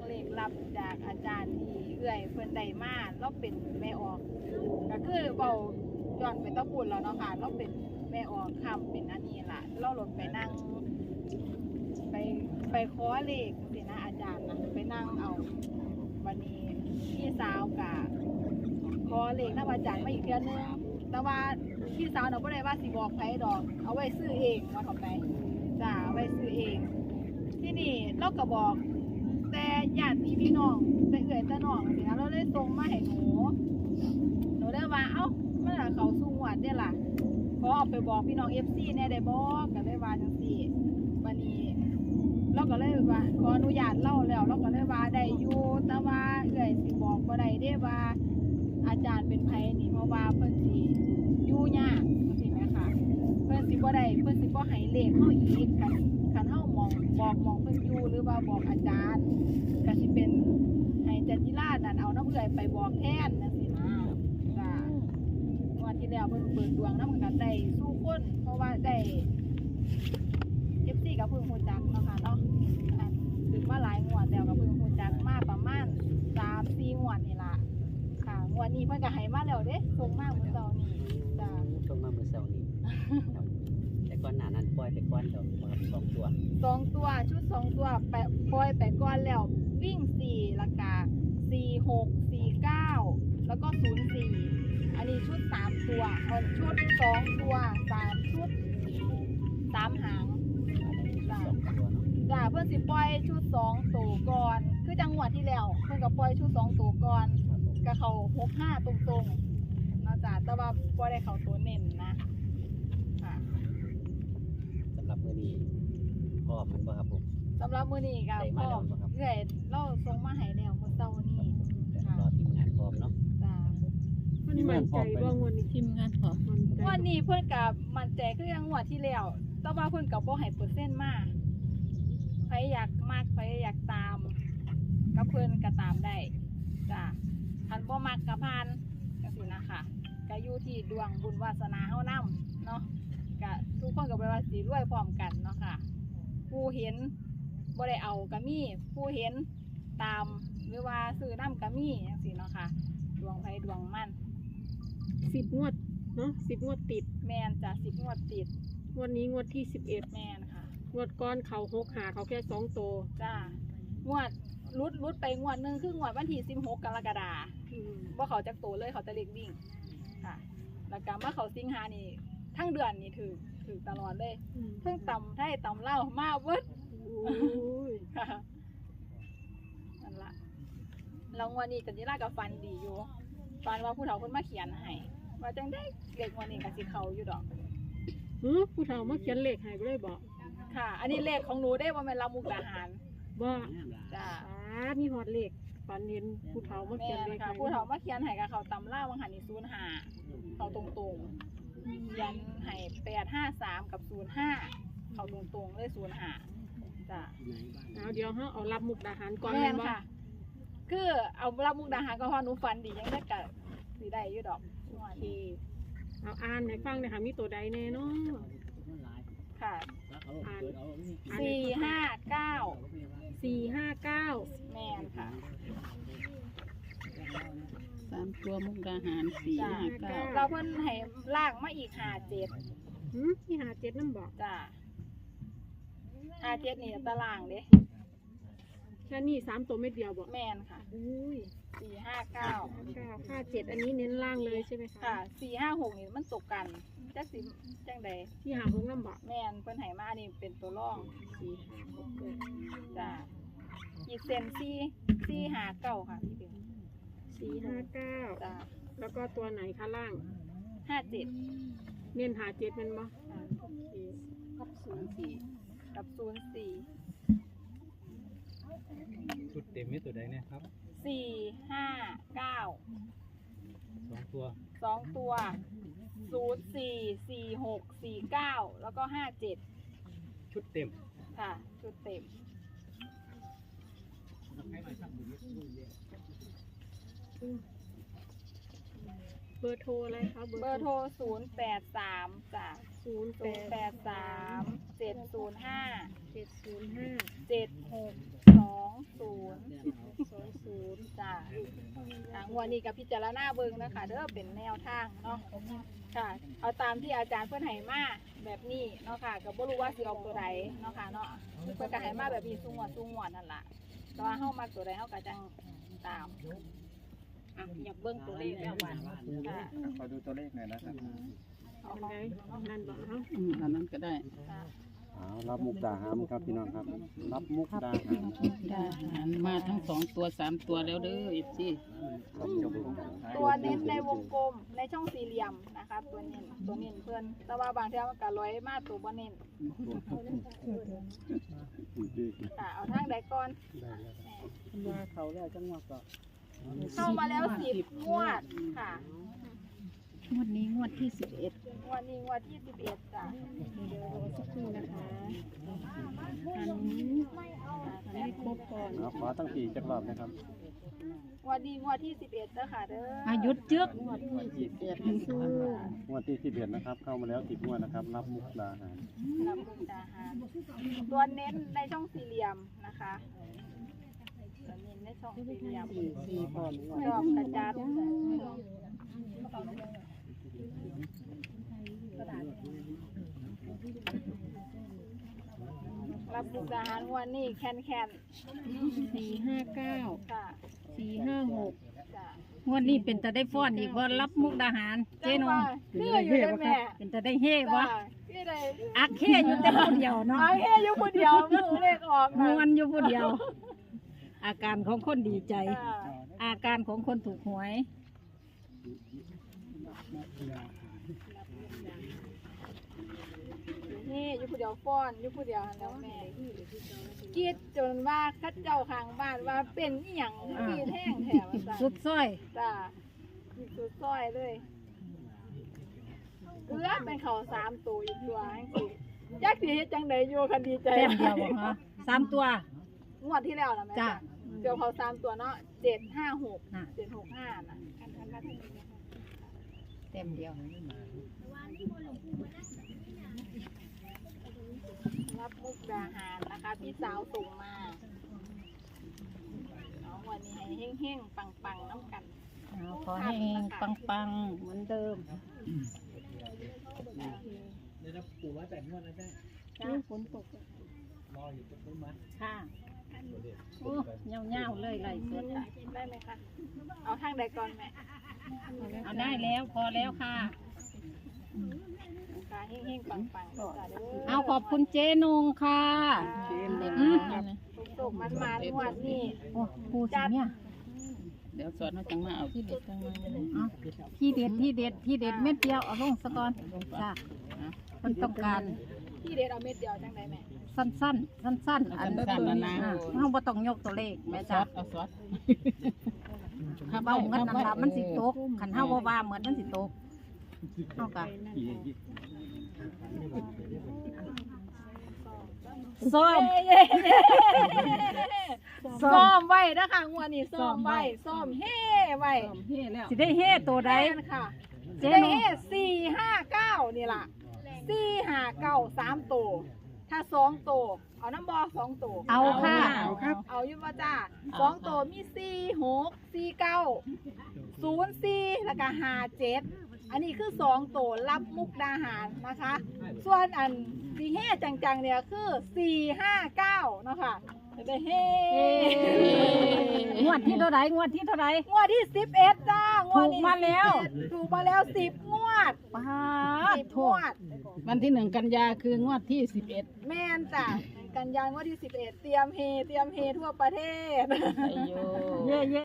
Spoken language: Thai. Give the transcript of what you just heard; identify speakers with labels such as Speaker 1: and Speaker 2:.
Speaker 1: เลขลับจากอาจารย์ที่เอื้อยเพิ่นได้มาเราเป็นแม่ออกก็คือเบาย้อนไปตะปุ่นแล้วเนาะค่ะเราเป็นแม่ออกคำเป็นอันนี้ล่ะเราหลดไปนั่งไปขอเลขสินะอาจารย์นะไปนั่งเอาวันนี้พี่สาวกะขอเลขนำอาจารย์มาอีกเทื่อนึงแต่ว่าพี่สาวเนาะบ่ได้ว่าสิบอกไผดอกเอาไว้ซื้อเองว่าเท่าไปจ้าเอาไว้ซื้อเองที่นี่เราก็บอกแต่ญาติพี่น้องแต่เอื้อยแต่น้องสินะเราเลยส่งมาให้หนูเลยว่าเอ้ามันน่ะเขาสู้งวดเด้ล่ะขอเอาไปบอกพี่น้อง FC แน่ได้บ่ก็เลยว่าจังซี่บัดนี้เราก็เลยว่าขออนุญาตเล่าแล้วเราก็เลยว่าได้อยู่แต่ว่าเอื้อยสิบอกบ่ได้เด้ว่าอาจารย์เป็นไผนี่เพราะว่าเพิ่นสิอยู่ยากจังซี่แม่ค่ะเพิ่นสิบ่ได้เพิ่นสิบ่ให้เลขเฮาอีกคันเฮามองบอกมองเพิ่นอยู่หรือว่าบอกอาจารย์ก็สิเป็นให้จันจิรานั่นเอาน้ำเอื้อยไปบอกแทนจังซี่นะจ้ะวันที่แล้วเพิ่นเปิดดวงนำกันได้สู้คนเพราะว่าได้ FC ก็เพิ่งฮู้จักเนาะค่ะเนาะถึงมาหลายงวดแล้วก็เพิ่งฮู้จักมาประมาณ 3-4 งวดนี่ล่ะค่ะงวดนี้เพิ่นก็ให้มาแล้วเด้ส่งมาเมื่อเช้านี้จ้ะ
Speaker 2: ส่งมาเมื่อเช้านี้ครับแต่ก่อนหน้านั้นปล่อยไปก่อนดอกครับ2 ตัว
Speaker 1: 2 ตัวชุด2 ตัวไปปล่อยไปก่อนแล้ววิ่ง4แล้วก็46 49แล้วก็04อันนี้ชุด3ตัวชุด2ตัว3ชุด3หาง
Speaker 2: 2 ตัวเนาะ
Speaker 1: จ้าเพิ่นสิปล่อยชุด2ตัวก่อนคือจังหวัดที่แล้วเพิ่นก็ปล่อยชุด2ตัวก่อน
Speaker 2: ครับผม
Speaker 1: ก็เข้า65ตรงๆเนาะจ้าแต่ว่าบ่ได้เข้าตัวเน้นนะค่ะ
Speaker 2: สำหรับมื้อนี้พร้อมมันบ่ครับผม
Speaker 1: สำหรับมื้อนี้ก็
Speaker 2: ได้มาแล้วบ่ครับ
Speaker 1: เอื้อยเราส่งมาให้แล้วเมื่อเช้านี้
Speaker 2: เดี๋ยวรอทีมงานพร้อมเนาะ
Speaker 1: จ้า
Speaker 3: มันมั่นใจว่างวันนี้
Speaker 4: ทีมงานขอ
Speaker 3: มั่นใจ
Speaker 1: วันนี้เพิ่นก็มั่นใจคือจังหวัดที่แล้วแต่ว่าเพิ่นก็บ่ให้เปอร์เซ็นต์มาใครอยากมักใครอยากตามก็เพิ่นก็ตามได้จ้าคันบ่มักก็ผ่านจังซี่นะคะก็อยู่ที่ดวงบุญวาสนาเฮานำเนาะก็ทุกคนก็บ่ได้ว่าสิรวยพร้อมกันเนาะค่ะผู้เห็นบ่ได้เอาก็มีผู้เห็นตามหรือว่าซื้อนำก็มีจังซี่เนาะค่ะดวงไผดวงมัน
Speaker 3: 10 งวดเนาะ10 งวดติด
Speaker 1: แม่นจ้ะ10 งวดติด
Speaker 3: งวดนี้งวดที่
Speaker 1: แม่นค่ะ
Speaker 3: 11งวดก้อนเขา6หาเขาแค่2ตัว
Speaker 1: จ้างวดรุดไปงวดหนึงคืองวดวันที่16 กรกฎาคมบ่เขาจักโตเลยเขาจะเลขวิ่งค่ะแล้วก็มาเขาสิงหานี่ทั้งเดือนนี่ถือตลอดเลยเพิ่งตำไทยตำเล่าวมาเบิด
Speaker 3: โอ้ย
Speaker 1: ค่ะนั่นล่ะแล้วงวดนี้จันจิราก็ฟันดีอยู่ฟันว่าผู้เฒ่าเพิ่นมาเขียนให้ว่าจังได้เลขงวดนี้ก็สิเข้าอยู่ดอก
Speaker 3: ผู้เฒ่ามาเขียนเลขให้บ่ได้บ่
Speaker 1: ค่ะ อันนี้เลขของหนูได้บ่แม่นลำมุกดาหาร
Speaker 3: บ่
Speaker 1: จ้า
Speaker 3: มีฮอดเลขฝันเห็นผู้เฒ่ามาเขียนเลข
Speaker 1: ค่ะ
Speaker 3: ให้
Speaker 1: ผู้เฒ่ามาเขียนให้กับเขาตำล่าวังหันนี่05เขาตรงๆเขียนให้853กับ05เขาตรงๆเลย05จ้ะ
Speaker 3: เอาเดี๋ยวเฮาเอารับมุกดาหารก่อน
Speaker 1: แม่
Speaker 3: แม่
Speaker 1: น
Speaker 3: นบ่
Speaker 1: ค่ะ คือเอารับมุกดาหารก็พอหนูฝันดียังได้กะสิได้อยู่ดอก
Speaker 3: โอเคเอาอ่านให้ฟังหน่อยค่ะมีตัวใดแน่เนาะ
Speaker 1: ค่ะ
Speaker 3: อ่าน
Speaker 1: 459
Speaker 3: 459
Speaker 1: แม่นค่ะ
Speaker 4: 3 ตัวมุกดาหาร
Speaker 1: จ้ะ
Speaker 4: 4
Speaker 1: เราเพิ่นให้ลากมาอีก57
Speaker 3: ที่57นำบ่
Speaker 1: จ้ะ57นี่ตารางเด้
Speaker 3: แค่นี้3ตัวเม็ดเดียวบ่
Speaker 1: แม่นค่ะ
Speaker 3: อุ้ย
Speaker 1: 459
Speaker 3: 57อันนี้เน้นล่างเลยใช่ไหมคะ
Speaker 1: ค่ะ456นี่มันตกกันจักสิจังใด
Speaker 3: ที่หา6นำบ่
Speaker 1: แม่นเพิ่นให้มานี่เป็นตัวรอง
Speaker 3: 456
Speaker 1: จ้ะอีกเซน459ค่ะพี่เบล
Speaker 3: 459
Speaker 1: จ้ะ
Speaker 3: แล้วก็ตัวไหนคะล่าง
Speaker 1: 57
Speaker 3: เน้น57แม่นบ่
Speaker 1: โอเค
Speaker 4: กับ04
Speaker 1: กับ04
Speaker 5: ชุดเต็มมีตัวใดเนี่ยครับ
Speaker 1: 459
Speaker 5: 2 ตัว
Speaker 1: 2 ตัว04 46 49แล้วก็57
Speaker 5: ชุดเต็ม
Speaker 1: ค่ะชุดเต็ม
Speaker 3: เบอร์โทรอะไรคะ
Speaker 1: เบอร์โทร083จ้ะ
Speaker 3: 083
Speaker 1: 083 705
Speaker 3: 705
Speaker 1: 7620 งวดนี้กับพิจารณาเบิ่งนะคะเด้อเป็นแนวทางเนาะค่ะเอาตามที่อาจารย์เพิ่นให้มาแบบนี้เนาะค่ะก็บ่รู้ว่าสิออกตัวใดเนาะค่ะเนาะเพิ่นก็ให้มาแบบนี้ซุงวดนั่นล่ะแต่ว่าเฮามักตัวใดเฮาก็จังตาม
Speaker 3: อ่ะอยากเบิ่งตัวเลขแล้วว่า
Speaker 1: ค่ะ
Speaker 5: ขอดูตัวเลขหน่อยนะครับ
Speaker 1: เอา
Speaker 3: อัน
Speaker 1: ของ
Speaker 3: ใดนั่นบ่เฮา
Speaker 4: อันนั้นก็ได้
Speaker 1: ค่ะ
Speaker 6: รับมุกดาหารครับพี่น้องครับ รับมุกดาหาร
Speaker 4: ได้อาหารมาทั้ง2ตัว3ตัวแล้วเด้อเอฟซี
Speaker 1: ตัวเน้นในวงกลมในช่องสี่เหลี่ยมนะคะตัวเน้นเพิ่นแต่ว่าบางเทื่อมันก็ร้อยมาตัวบ่เน้นค่ะเอาทางใดก่อน
Speaker 2: ว่าเขาแล้วจังหวะก็
Speaker 1: เข้ามาแล้ว10งวดค่ะ
Speaker 4: งวดนี้งวดที่11
Speaker 1: งวดนี้งวดที่11จ้ะ
Speaker 3: เดี๋ยวรอสักครู่นะคะอันให้ครบก่อน
Speaker 6: ขอตั้งปีจักรอบนะครับ
Speaker 1: งวดนี้งวดที่11เด้อค่ะเด้อ
Speaker 4: อายุจึก
Speaker 1: งวดที่11
Speaker 4: สู้
Speaker 6: งวดที่11นะครับ เข้ามาแล้ว10งวดนะครับ รับมุกดาหาร
Speaker 1: ลำบุญดาหารตัวเน้นในช่องสี่เหลี่ยมนะคะตัวเน้นในช่องสี่เหลี่ยม
Speaker 2: สี่พร้อม
Speaker 1: ชอบกระจัดรับบุญดาหารงวดนี้แคน
Speaker 3: 459
Speaker 1: ๆค่ะ
Speaker 3: 456
Speaker 1: จ้ะ
Speaker 4: งวดนี้เป็นตาได้ฟ้อนอีกว่ารับมุกดาหารเจ๊นง
Speaker 1: คืออยู่ได้แม่
Speaker 4: เป็นตาได้เฮ่วะ
Speaker 1: พี่ได้
Speaker 4: อักเฮ่อยู่แต่คนเดียวเนาะ
Speaker 1: เอาแค่อยู่คนเดียวมือเลขออก
Speaker 4: มวนอยู่ผู้เดียว อาการของคนดีใจ
Speaker 1: จ้ะ
Speaker 4: อาการของคนถูกหวย
Speaker 1: นี่อยู่ผู้เดียวฟ้อนอยู่ผู้เดียวหันแล้วแม่กรีดจนว่าคัดเจ้าข้างบ้านว่าเป็นอีหยังกรีดแห้งแถวจ้ะ
Speaker 4: สุดซ้อย
Speaker 1: จ้ะกรีดสุดซอยเลยเอื้อเป็นเขา3ตัวอีกตัวจังสิจักสิเฮ็ดจังไดอยู่คันดีใจ
Speaker 4: แต้มเดียวบ่ฮะ3 ตัว
Speaker 1: งวดที่แล้วนะแม่
Speaker 4: จ้ะ
Speaker 1: เดี๋ยวเขา3ตัวเนาะ756
Speaker 4: น่ะ
Speaker 1: 765น่ะอันมาทางนี้
Speaker 4: เต็มเดียว
Speaker 1: รับมุกดาหารนะคะพี่สาวส่งมาเอาวันนี้ให้เฮ้งๆปังๆน้ำกัน
Speaker 4: ขอให้ปังๆเหมือนเดิม
Speaker 5: เดี๋ยวปู่ว่าแต่งวดนะแม่
Speaker 3: นี่ฝนตก
Speaker 5: รออยู่ต้นไม้
Speaker 4: ค่ะโอ้เงาๆเลยไหลสด
Speaker 1: ได้ไหมคะเอาทางใดก่อนแม่
Speaker 4: เอาได้แล้วพอแล้วค่ะ
Speaker 1: ค่ะเฮ้งๆปังๆจ้ะเด้อ
Speaker 4: เอาขอบคุณเจ๊นงค่ะอืม
Speaker 1: สุกๆมันๆงวดนี่
Speaker 4: โอ้ปูสิเนี่ย
Speaker 2: เดี๋ยวสอนเขาจังมาเอาที่เด็ดจังมา
Speaker 4: เอาที่เด็ดเม็ดเดียวเอาลงซะก่อนจ้ะมันต้องการ
Speaker 1: ที่เด็ดเอาเม็ดเดียวจังไดแม่
Speaker 4: สั้นอันเราบ่ต้องยกตัวเลขแม่
Speaker 2: ซ
Speaker 4: จ้ะ
Speaker 2: อสเอาซอส
Speaker 4: ถ้าเบาเงินนั่นล่ะมันสิตกคันเฮาบ่ว่าเหมือนมันสิตกเฮาก็ซ้อม
Speaker 1: ซ้อมไว้นะคะงวดนี้ซ้อมไว้ซ้อมเฮ้ไว้
Speaker 2: เฮ้แล้ว
Speaker 4: สิได้เฮตัวใด
Speaker 1: ได้ค่ะ
Speaker 4: เจ๊
Speaker 1: ได้
Speaker 4: นง
Speaker 1: เฮ้459นี่ล่ะ459 3ตัวถ้า2ตัวเอาน้ำบอ2ตัว
Speaker 4: เอาค่ะ
Speaker 2: เอาครับ
Speaker 1: เอาอยู่ว่าจ้า2ตัวมี4 6 4 9 0 4แล้วก็57อันนี้คือ2ตัวรับมุกดาหารนะคะ ส่วนอันสีเฮจังๆเนี่ยคือ459เนาะค่ะจะได้เฮ
Speaker 4: งวดที่เท่าไหร่
Speaker 1: งวดที่11จ้างวดนี้
Speaker 4: ถูกมาแล้ว
Speaker 1: ถูกมาแล้ว10งวด
Speaker 4: ป้าด
Speaker 1: 10
Speaker 4: โท
Speaker 1: งว
Speaker 4: ษ
Speaker 1: ด
Speaker 2: วันที่1 กันยาคืองวดที่11
Speaker 1: แม่นจ้ะกันยางวดที่11เตรียมเฮทั่วประเทศ
Speaker 2: ไอโย
Speaker 4: เย่